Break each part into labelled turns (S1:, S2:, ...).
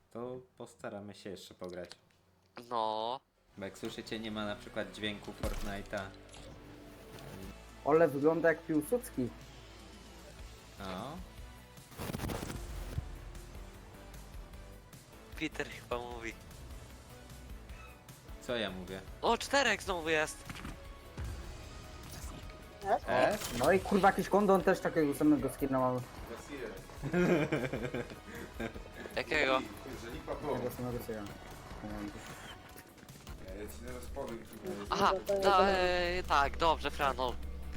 S1: to postaramy się jeszcze pograć.
S2: No.
S1: Bo jak słyszycie, nie ma na przykład dźwięku Fortnite'a.
S3: Ole wygląda jak Piłsudski.
S1: No.
S2: Peter chyba mówi.
S1: Co ja mówię?
S2: O, 4 znowu jest.
S1: S?
S3: No i kurwa jakiś kondon też takiego samego skina mamy.
S2: Jakiego?
S4: Jeżeli papą.
S3: Takiego samego co ja.
S4: Ja ci teraz powiem,
S2: Aha, tak, dobrze, Frano.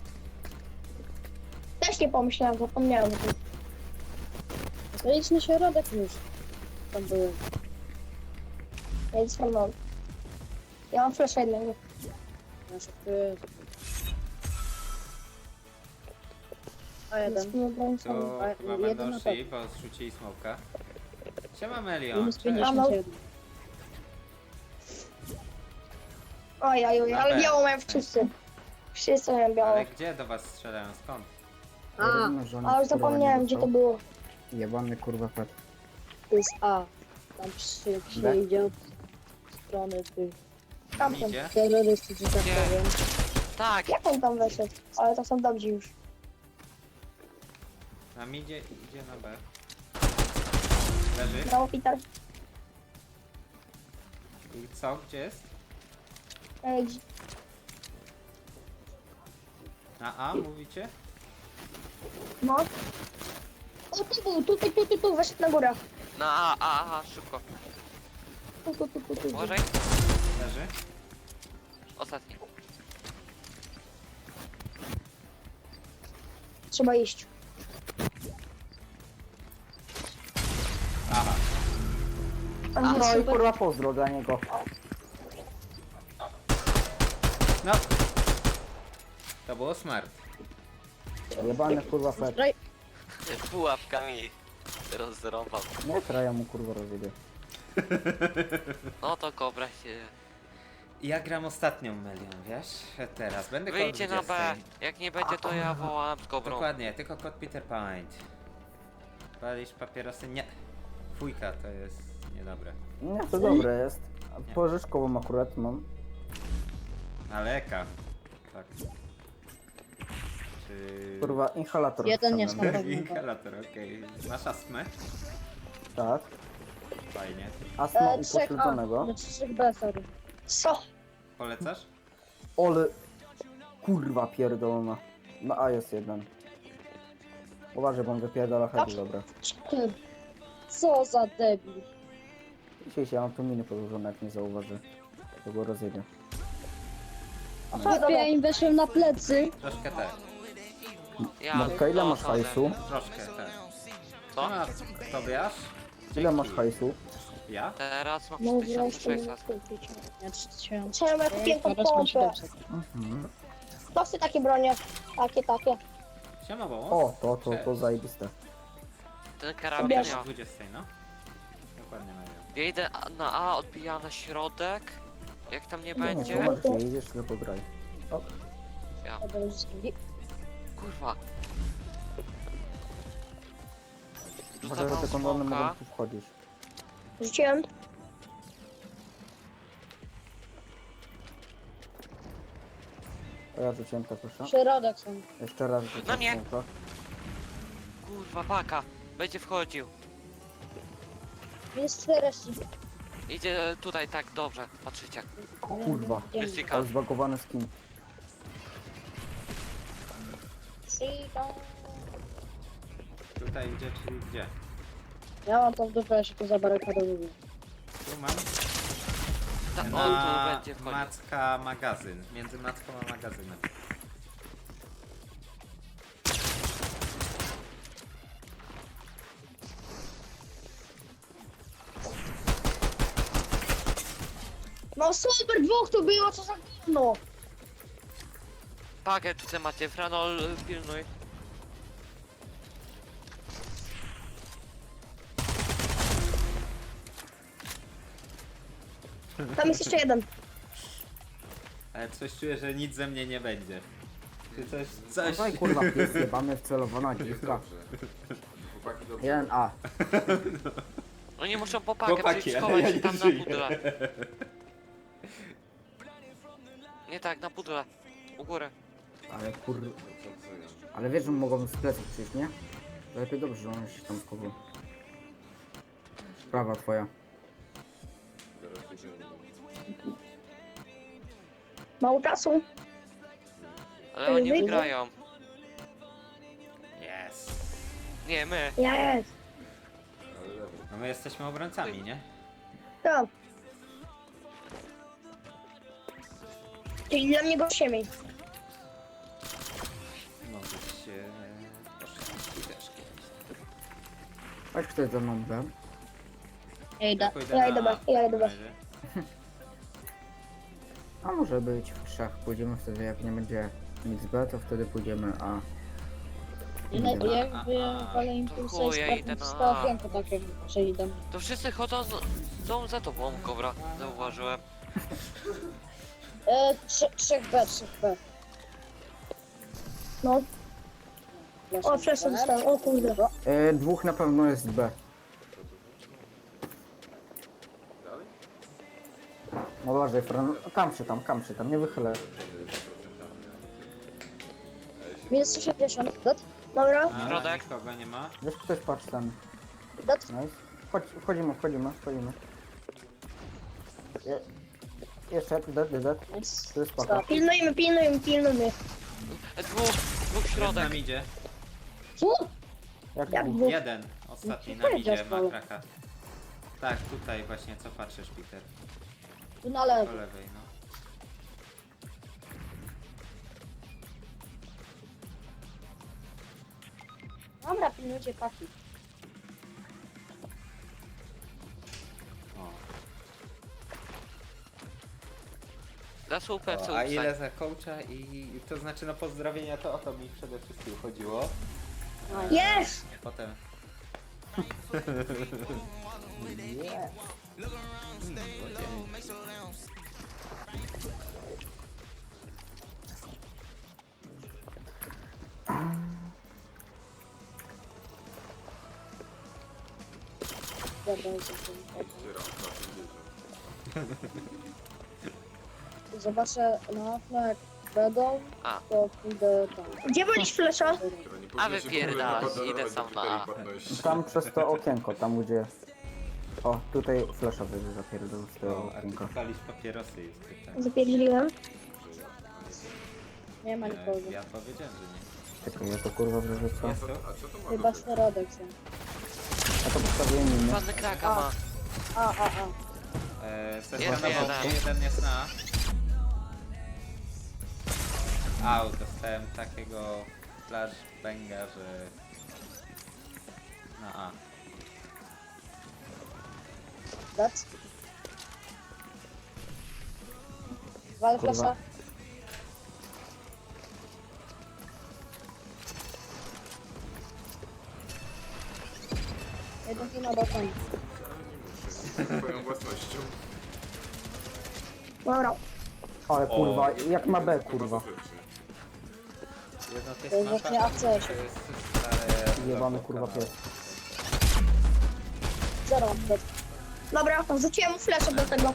S5: Też nie pomyślałem, zapomniałem o tym.
S6: No idź na środek już. Tam byłem.
S5: Ja nic mam. Ja mam flasha jednego.
S6: Nasze ty. A jeden.
S5: Więc nie broń
S1: To
S5: sam.
S1: chyba
S6: jeden
S1: będą
S6: na
S1: szli, bo zrzucili smoka. Siema Melion.
S6: Minus
S1: Cześć.
S6: 51.
S5: Oj, ale
S1: Dobra.
S5: białą mają wszyscy. Wszyscy mają białą.
S1: Ale gdzie do was strzelają? Skąd?
S3: Ja
S6: A,
S3: rozumiem, że on
S5: A już
S3: jest, kurwa,
S5: zapomniałem,
S3: nie
S5: gdzie to
S3: dostał.
S5: było.
S3: Jebany kurwa pet.
S6: to jest A. Tam przyjdzie od strony tych
S5: Tamten.
S1: Idzie?
S6: terrorystów, że tak
S2: Nie.
S6: powiem.
S2: Tak,
S5: Jak on tam weszedł? Ale to są dobrzy już.
S1: Na midzie idzie na B. Leży.
S5: Brawo, Peter.
S1: I co? Gdzie jest?
S5: Ej,
S1: Na A mówicie?
S5: no. O, tu był, tu, weszedł na górę.
S2: na A, szybko.
S5: Tu.
S2: Uważaj.
S1: Leży.
S2: Ostatni.
S5: Trzeba iść.
S1: Aha.
S5: Tam
S3: No i
S5: super.
S3: kurwa pozdro dla niego.
S1: No. To było smart.
S3: Jebany kurwa pet.
S6: Straj.
S2: Pułapkami rozrąbał.
S3: Nie kraja mu kurwa rozjebie.
S2: No to kobra się...
S1: Ja gram ostatnią Melion, wiesz? Teraz będę koło
S2: Wyjdźcie na
S1: 20.
S2: B. Jak nie będzie, to ja wołam z kobrą.
S1: Dokładnie, tylko kod Peter Pint. Palisz papierosy? Nie. Fujka, to jest niedobre.
S3: Nie, to dobre jest. A pożyczkową akurat mam.
S1: Aleka. Tak. Czy...
S3: Kurwa, inhalator.
S6: Jeden jest
S3: wstawiam.
S6: na pewno.
S1: Inhalator, okej. Masz astmę?
S3: Tak.
S1: Fajnie.
S3: Astma
S6: Trzech A.
S3: upośledzonego.
S6: Znaczy 3 B, sorry.
S5: Co?
S1: Polecasz?
S3: Ole. Kurwa pierdolona. Na A jest jeden. Uważaj, bo on wypierdala heady, dobra.
S6: Ty. Co za debil.
S3: Dzisiaj się, ja mam tu miny podłożone, jak nie zauważy. To go rozjebie.
S6: Chłopie, ja im weszłem na plecy.
S1: Troszkę tak.
S2: Ja
S3: Marka, ile masz
S2: chodzę.
S3: hajsu?
S1: Troszkę tak.
S2: Co?
S1: No, Tobiasz?
S3: Ile masz hajsu?
S1: Ja?
S2: Teraz mam
S5: No, ja jeszcze nie
S2: 3600.
S5: skupić.
S6: Ja 3000.
S5: Czemu ja kupiłem tą
S6: Teraz mam
S5: pompę?
S6: 700.
S3: Mhm.
S5: To chcę takie bronie. Takie.
S1: Siema, bo
S3: O, to zajebiste.
S2: Ten karabin
S5: Bierz.
S2: ja.
S1: 20, no. Dokładnie Melion.
S2: Ja idę na A, odbija na środek. Jak tam nie
S3: Nie,
S2: będzie...
S3: zobacz, nie idziesz, tylko graj. O,
S2: Ja.
S6: To będzie drugi.
S2: Kurwa.
S3: może
S2: Rzucam
S3: te kondony mogą
S2: smoka.
S3: tu wchodzić.
S5: Rzuciłem.
S3: A ja rzuciłem to, proszę.
S6: Środek są.
S3: Jeszcze raz rzucam
S2: No nie.
S3: smoka.
S2: Kurwa, paka. Będzie wchodził.
S6: Jest 40.
S2: Idzie tutaj tak dobrze. Patrzycie.
S3: Kurwa,
S2: Jessica.
S3: ale zbagowany skin.
S1: Tutaj idzie, czyli gdzie?
S6: Ja mam to w dupę, ja się tu zabarykadowuję.
S1: Tu mam.
S2: Ta, on tu
S1: Na
S2: będzie wchodził.
S1: Macka magazyn. Między Macką a magazynem.
S5: No super, dwóch tu było, co za gówno.
S2: Pakę tutaj macie. Franol, pilnuj.
S5: Tam jest jeszcze jeden.
S1: Ale coś czuję, że nic ze mnie nie będzie. Czy coś...
S3: Dawaj kurwa, pies jebany, wcelowana dziwka.
S4: Chłopaki dobrze.
S3: 1A.
S2: Oni muszą popakę
S1: Chłopaki,
S2: przyjść
S1: ale
S2: schować
S1: ja
S2: się
S1: nie
S2: tam na
S1: żyję.
S2: pudle. Nie tak, na pudle. U góry.
S3: Ale Ale wiesz, że mogą z pleców przyjść, nie? Lepiej dobrze, że one się tam schowują. Sprawa twoja.
S5: Mało czasu.
S2: Ale oni
S5: wyjdą.
S2: wygrają.
S1: Yes.
S2: Nie, my.
S5: Jest.
S1: No my jesteśmy obrońcami, nie?
S5: Tak. Czyli dla mnie gościem.
S1: Może się... poszli też kiedyś.
S3: Chodź ktoś ze mną, B.
S6: Ja idę.
S1: Pójdę
S5: Ja
S1: na
S5: idę
S1: A
S5: B, ja idę
S1: w
S5: B.
S1: razie.
S3: A może być w trzech. Pójdziemy wtedy, jak nie będzie nic B, to wtedy pójdziemy A.
S6: Ja wolę impulsy
S2: chuj, ja
S6: i
S2: idę na-
S6: 100 okienko takie, że idę.
S2: To wszyscy chodzą za tobą, kobra. Zauważyłem.
S6: 3B, 3B.
S5: No. O, przeszedł dostałem. O kurde.
S3: Dwóch na pewno jest B. No uważaj, Fran. Kam się tam, nie wychylę.
S6: Minus 160.
S5: Dobra.
S1: A,
S2: Środek.
S1: nikogo nie ma.
S3: Wiesz, ktoś patrz tam.
S5: Dat.
S3: Nice. Chodź, wchodzimy. Jeszcze, dead. To jest spoko.
S5: Pilnujmy.
S2: Dwóch
S1: Z
S2: środek.
S1: nami idzie.
S5: Co?
S3: Jak
S5: Jak
S3: dwóch?
S5: dwóch?
S1: Jeden. Ostatni
S6: No,
S1: nam idzie,
S6: powiedział,
S1: ma kraka. Tak, tutaj właśnie, co patrzysz, Peter?
S6: Tu na
S1: Po
S6: lewo.
S1: lewej, no.
S6: Dobra, pilnujcie paki.
S1: O.
S2: Za słupę,
S1: O,
S2: co
S1: a ile za coacha i to znaczy no pozdrowienia to o to mi przede wszystkim chodziło.
S5: Jest!
S1: Potem
S6: Dobra, zobaczę na okno, jak będą,
S2: A.
S6: to pójdę tam.
S5: Gdzie byliś flesza?
S2: A wypierdalać, idę sam na A.
S3: Tam przez to okienko, tam gdzie... O, tutaj flasha będzie zapierdol z tego
S1: o, a
S3: okienka.
S1: ty palisz papierosy jest pytanie.
S5: Zapierdzieliłem.
S6: Nie ma nikogo.
S1: Ja powiedziałem, że nie.
S3: Czekaj, ja to kurwa wyrzucę.
S1: Jest tu?
S6: Chyba środek są.
S3: Ja to postawiłem inny.
S2: Panny kraka ma.
S6: A.
S1: Sesja
S2: Jest
S1: na
S2: jeden.
S1: boku, jeden jest na A. Au, dostałem takiego flashbanga, że na A.
S6: Dac. Wal
S3: Kurwa.
S6: flasza. Jeden tu na balkonie.
S4: Twoją własnością.
S5: Dobra.
S3: Ale kurwa, jak ma B kurwa.
S1: Jedno to
S6: To jest
S1: jest
S6: właśnie
S1: mapa,
S6: ACS.
S1: to jest stare
S3: Jebany
S1: logo
S3: kurwa
S1: kanału.
S3: pies.
S6: Zero mam dead.
S5: Dobra, wrzuciłem mu fleszę do tego.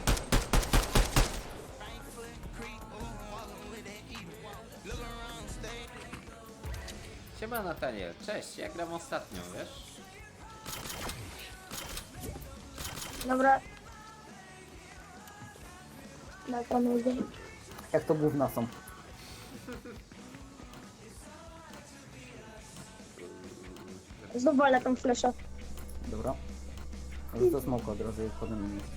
S1: Siema Nataniel, cześć, ja gram ostatnią, wiesz?
S5: Dobra. Na panu idę.
S3: Jak to gówna są.
S5: Znów walę tą fleszę.
S3: Dobra. Rzucę smoka od razu i potem nie.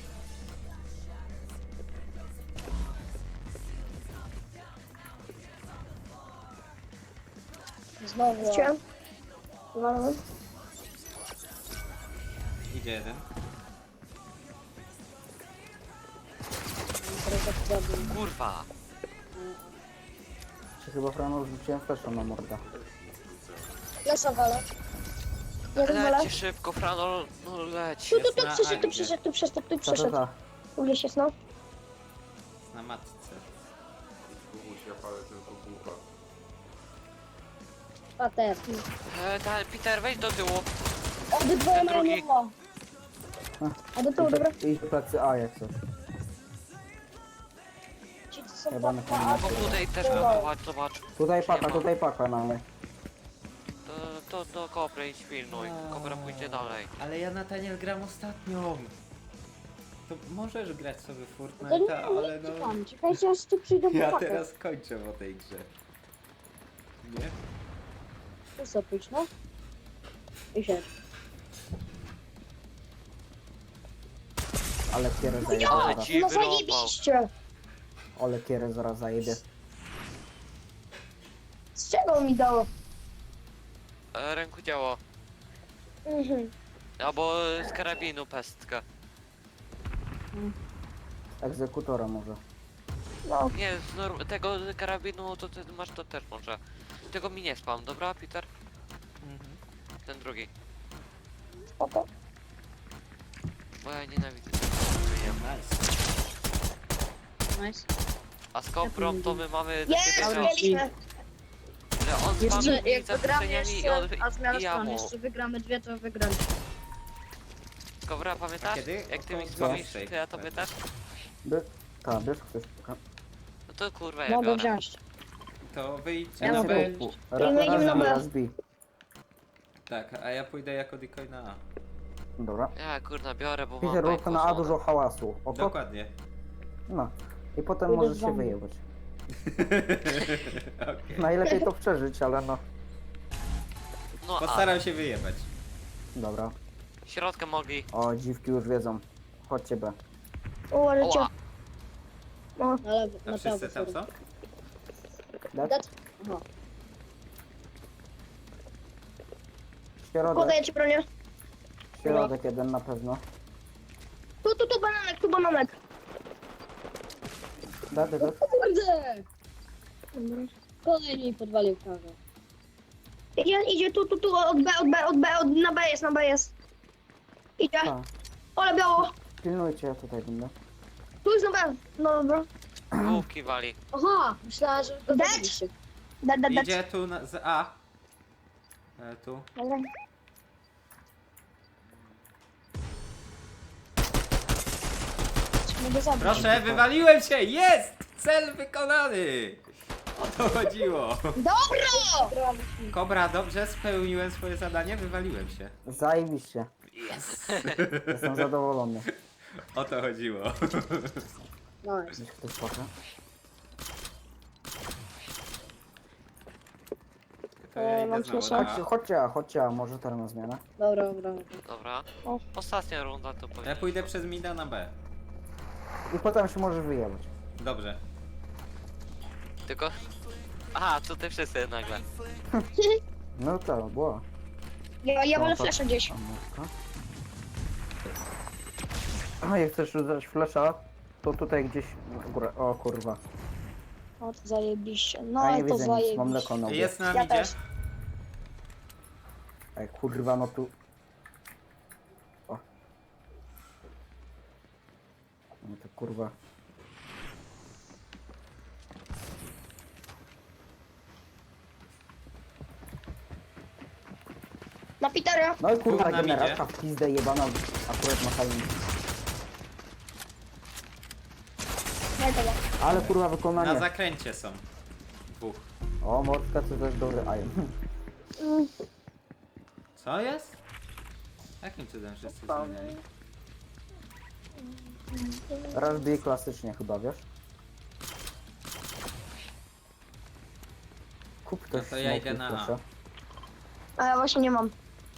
S6: Znowu.
S5: Wrzuciłem. Walę.
S1: Idzie jeden.
S2: Kurwa.
S3: Czy chyba Frano rzuciłem flasha na morda.
S6: Flesza walę.
S5: Jeden walę.
S2: Leci szybko, Franol, no leci.
S5: Tu
S1: Jest na
S5: przyszedł,
S1: A
S5: tu
S1: idzie.
S5: przyszedł, tu przyszedł, tu
S3: Ta, ta,
S5: przyszedł.
S3: ta.
S5: Tu gdzieś jest, no.
S1: Na matce.
S4: Kubuś, ja palę tylko bucha.
S6: Pater.
S2: Peter, wejdź do tyłu.
S6: Obydwoje mają
S2: Drugi.
S6: nowo.
S5: A do tyłu, dobra.
S3: Idź do plecy A jak coś.
S5: Ci co są
S3: Chyba na
S5: tam,
S3: koniec.
S2: O, tutaj też
S5: Dobra.
S2: zobacz, zobacz.
S3: Tutaj paka mamy.
S2: To do Kobry idź pilnuj. Kobra pójdzie dalej.
S1: Ale ja Nataniel gram ostatnią. To możesz grać sobie w
S5: To
S1: Fortnite'a, ale
S5: nie,
S1: no...
S5: tam. Czekajcie aż tu przyjdą
S1: Ja
S5: chłopaki.
S1: teraz kończę o tej grze. Nie?
S6: Tu sobie pójdź, no. I siedź.
S3: Ale kierę zajebie
S2: Ale
S3: zaraz.
S2: ci
S5: No
S2: wyrąbał.
S5: zajebiście.
S3: Ale kierę zaraz zajebie.
S5: Z czego mi dało?
S2: Ręku działo.
S5: Mhm.
S2: Albo z karabinu pestkę.
S3: Egzekutora może.
S5: No,
S2: Nie, tego karabinu to ty masz to też może. Tego mi nie spam, dobra Peter? Ten drugi.
S5: spoko.
S2: Bo ja nienawidzę.
S1: Nice.
S6: Nice.
S2: A z Kobrą to my mamy takie
S5: Jest,
S2: wiecie,
S5: mieliśmy.
S2: że on
S6: Jeszcze
S2: spami
S6: jak wygramy jeszcze, a zmiana
S2: i ja
S6: stron,
S2: mu.
S6: jeszcze wygramy dwie, to wygramy.
S2: Kobra, pamiętasz?
S1: Kiedy?
S2: Jak ty mi
S1: Około
S2: spamisz,
S1: 12.
S2: to ja tobie też?
S3: Tak, bierz ktoś.
S2: No to kurwa ja
S6: Mogę
S2: biorę.
S6: wziąć.
S1: To wyjdźcie
S6: Ja
S1: na
S6: mogę
S1: B.
S6: iść.
S5: Idziemy na B.
S3: Raz B.
S1: Tak, a ja pójdę jako decoy na A.
S3: Dobra.
S2: Ja kurna biorę, bo mam
S3: Peter, rób
S2: bajku
S3: na A
S2: żonę.
S3: dużo hałasu. Oko?
S1: Dokładnie.
S3: No. I potem
S5: Pójdę
S3: możesz
S5: z
S3: się
S5: wami.
S3: wyjebać.
S1: Okej.
S3: Najlepiej to przeżyć, ale no.
S2: No a,
S1: Postaram się wyjebać.
S3: Dobra.
S2: środkę mogli.
S3: O, dziwki już wiedzą. Chodźcie B.
S5: Uważajcie.
S2: Oła,
S5: No,
S6: Ale
S1: A
S6: na
S1: wszyscy
S6: prawo.
S1: tam są?
S3: Tak?
S6: Aha.
S3: Środek.
S5: podaję ci bronię.
S3: Środek jeden na pewno.
S5: Tu bananek, tu bananek.
S3: Tak.
S6: Kurde! Kolejny podwalił kawę.
S5: Idzie tu, na B jest, na B jest. Idzie.
S3: Tak.
S5: Ole biało.
S3: Pilnujcie, ja tutaj będę.
S5: Tu jest na B. No dobra.
S2: główki wali.
S6: Aha! Myślałem, że go
S5: Dać?
S6: zabiliście.
S5: Da.
S1: Idzie tu z A. Tu.
S5: Dobra. Mogę zabić.
S1: Proszę, wywaliłem się! Jest! Cel wykonany! O to chodziło.
S5: Dobra!
S1: Kobra, dobrze spełniłem swoje zadanie, wywaliłem się.
S3: Zajebiście.
S1: Yes!
S3: Jestem zadowolony.
S1: O to chodziło.
S6: Nice.
S3: Gdzieś ktoś poka.
S1: To ja idę
S5: mam
S1: znowu
S5: słyszę.
S1: na A.
S3: Chodźcie, a może teraz na zmianę.
S6: Dobra, dobra.
S2: Dobra.
S5: O.
S2: Ostatnia runda to
S1: Ja
S2: powinien.
S1: pójdę przez mida na B.
S3: I potem się możesz wyjebać.
S1: Dobrze.
S2: Tylko... Aha, tutaj wszyscy nagle.
S3: No to była.
S5: Ja wolę
S3: No to-
S5: flasza gdzieś.
S3: Amórka. A jak chcesz rzucać flesza, to tutaj gdzieś na górę. O kurwa.
S5: O, to zajebiście.
S3: Ja
S5: No
S3: nie
S5: i to
S3: widzę nic, mam
S5: zajebiście.
S3: mleko na łbie.
S1: Jest na
S5: Ja
S1: midzie.
S5: też.
S3: Ej kurwa, no tu. O. No to kurwa.
S5: Na Petera.
S3: No i kurwa,
S1: Był na midzie.
S3: generatka w pizdę jebana akurat na fajnie.
S5: Nie, to
S3: Ale kurwa
S1: Na
S3: wykonanie.
S1: zakręcie są. Dwóch.
S3: O, mordka to też dobry iron.
S1: Co jest? Jakim cudem wszyscy zmieniali?
S3: Raz bije klasycznie chyba, wiesz? Kup ktoś
S1: No to ja idę
S3: smoki,
S1: na A.
S3: proszę.
S5: A ja właśnie nie mam.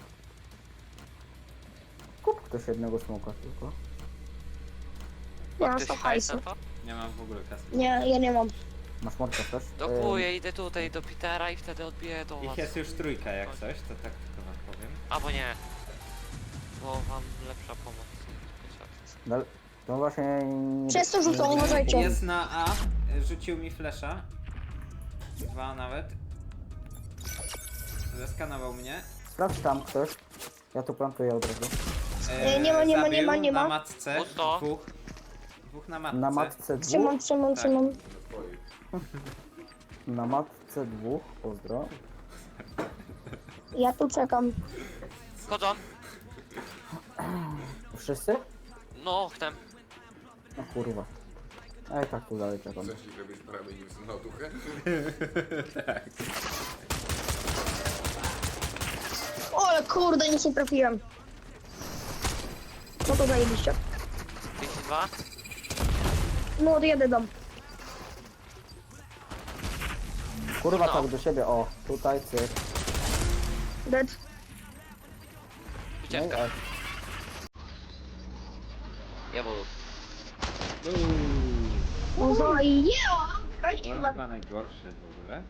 S3: Kup ktoś jednego smoka tylko.
S5: Nie mam
S2: Ty
S5: 100
S2: się hajs
S5: hajsu.
S2: na to?
S1: Nie mam w ogóle kasy.
S5: Nie, ja nie mam.
S3: Masz mordkę też?
S2: Dokuję, idę tutaj do Petera i wtedy odbiję do was.
S1: Ich jest już trójka jak coś, to tak tylko wam powiem.
S2: Albo nie. Bo wam lepsza pomoc.
S3: To właśnie... nie-
S5: Przez to rzucą, uważajcie.
S1: Jest na A, rzucił mi flesza. Dwa nawet. Zeskanował mnie.
S3: Sprawdź tam ktoś. Ja tu plantuję od razu.
S5: Nie ma, nie ma, nie ma,
S1: zabił
S5: nie ma.
S1: Na matce.
S2: Pusto.
S1: Dwóch. Dwóch na matce.
S3: Na matce dwóch.
S5: Trzymam.
S3: Tak. Na matce dwóch. Pozdro.
S5: Ja tu czekam.
S2: Wchodzą.
S3: Wszyscy?
S2: No, chcę.
S3: No kurwa. Ej, tak tu dalej czekam.
S4: Chcesz, żebyś prawie nie wsunął duchę?
S5: O, ale kurde, nic nie trafiłem. No to zajebiście.
S2: 52.
S5: No, jedę dom.
S3: Kurwa,
S2: No.
S3: tak do siebie, o. Tutaj, cyk.
S5: Dead.
S3: No i
S2: Ucieczka.
S3: ej.
S2: Ja budu.
S5: No zajęła.
S1: On chyba najgorszy w ogóle.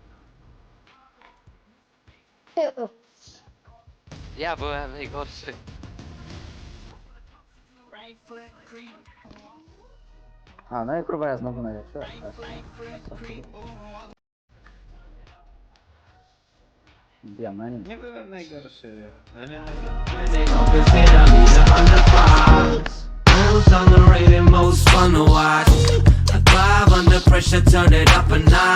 S2: Ja byłem najgorszy.
S3: A, no i kurwa, ja znowu najlepszy. Diament.
S1: Nie byłem najgorszy, ale
S7: Wheels on the rating, most fun to watch. I thrive under pressure, turn it up a notch.